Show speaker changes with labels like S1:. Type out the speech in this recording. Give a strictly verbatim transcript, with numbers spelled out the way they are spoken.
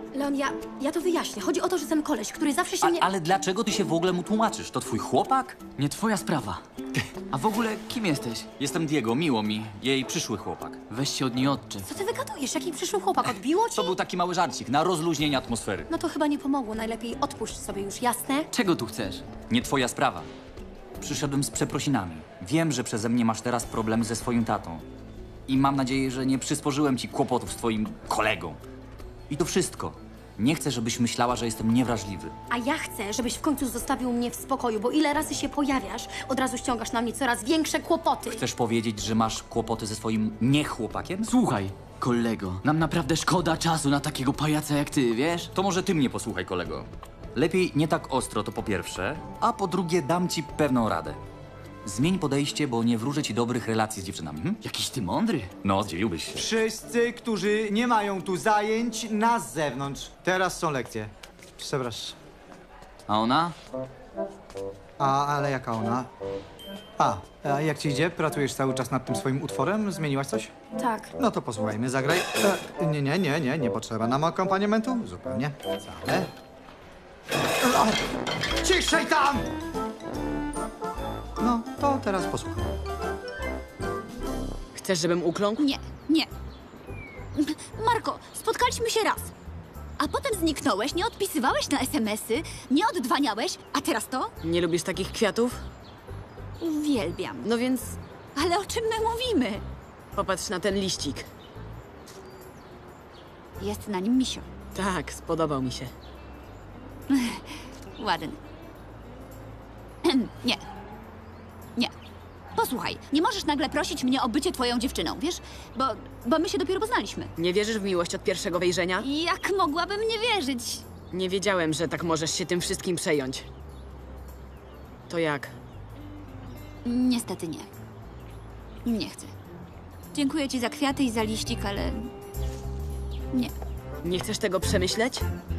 S1: Leon, ja, ja to wyjaśnię. Chodzi o to, że ten koleś, który zawsze się
S2: A,
S1: mnie...
S2: ale dlaczego ty się w ogóle mu tłumaczysz? To twój chłopak?
S3: Nie twoja sprawa. A w ogóle kim jesteś?
S2: Jestem Diego, miło mi. Jej przyszły chłopak.
S3: Weź się od niej odczep.
S1: Co ty wygadujesz? Jaki przyszły chłopak? Odbiło ci?
S2: To był taki mały żarcik na rozluźnienie atmosfery.
S1: No to chyba nie pomogło. Najlepiej odpuść sobie już, jasne?
S3: Czego tu chcesz?
S2: Nie twoja sprawa. Przyszedłem z przeprosinami. Wiem, że przeze mnie masz teraz problemy ze swoim tatą. I mam nadzieję, że nie przysporzyłem ci kłopotów z twoim kolegą. I to wszystko. Nie chcę, żebyś myślała, że jestem niewrażliwy.
S1: A ja chcę, żebyś w końcu zostawił mnie w spokoju, bo ile razy się pojawiasz, od razu ściągasz na mnie coraz większe kłopoty.
S2: Chcesz powiedzieć, że masz kłopoty ze swoim niechłopakiem?
S3: Słuchaj, kolego, nam naprawdę szkoda czasu na takiego pajaca jak ty, wiesz?
S2: To może ty mnie posłuchaj, kolego. Lepiej nie tak ostro, to po pierwsze, a po drugie dam ci pewną radę. Zmień podejście, bo nie wróżę ci dobrych relacji z dziewczynami. Hm?
S3: Jakiś ty mądry.
S2: No, zdziwiłbyś się.
S4: Wszyscy, którzy nie mają tu zajęć, na zewnątrz. Teraz są lekcje. Przepraszam.
S3: A ona?
S4: A, ale jaka ona? A, a jak ci idzie? Pracujesz cały czas nad tym swoim utworem? Zmieniłaś coś?
S1: Tak.
S4: No to posłuchajmy, zagraj. E, nie, nie, nie, nie, nie potrzeba nam akompaniamentu. Zupełnie. Wcale. O, ciszej tam! No, to teraz posłuchaj.
S3: Chcesz, żebym ukląkł?
S5: Nie, nie. Marko, spotkaliśmy się raz. A potem zniknąłeś, nie odpisywałeś na es em esy, nie oddwaniałeś, a teraz to?
S3: Nie lubisz takich kwiatów?
S5: Uwielbiam.
S3: No więc
S5: Ale o czym my mówimy?
S3: popatrz na ten liścik.
S5: Jest na nim misio.
S3: Tak, spodobał mi się.
S5: Ładny. Nie. Nie. Posłuchaj, nie możesz nagle prosić mnie o bycie twoją dziewczyną, wiesz? Bo, bo my się dopiero poznaliśmy.
S3: Nie wierzysz w miłość od pierwszego wejrzenia?
S5: Jak mogłabym nie wierzyć?
S3: Nie wiedziałem, że tak możesz się tym wszystkim przejąć. To jak?
S5: Niestety nie. Nie chcę. Dziękuję ci za kwiaty i za liścik, ale... Nie.
S3: Nie chcesz tego przemyśleć?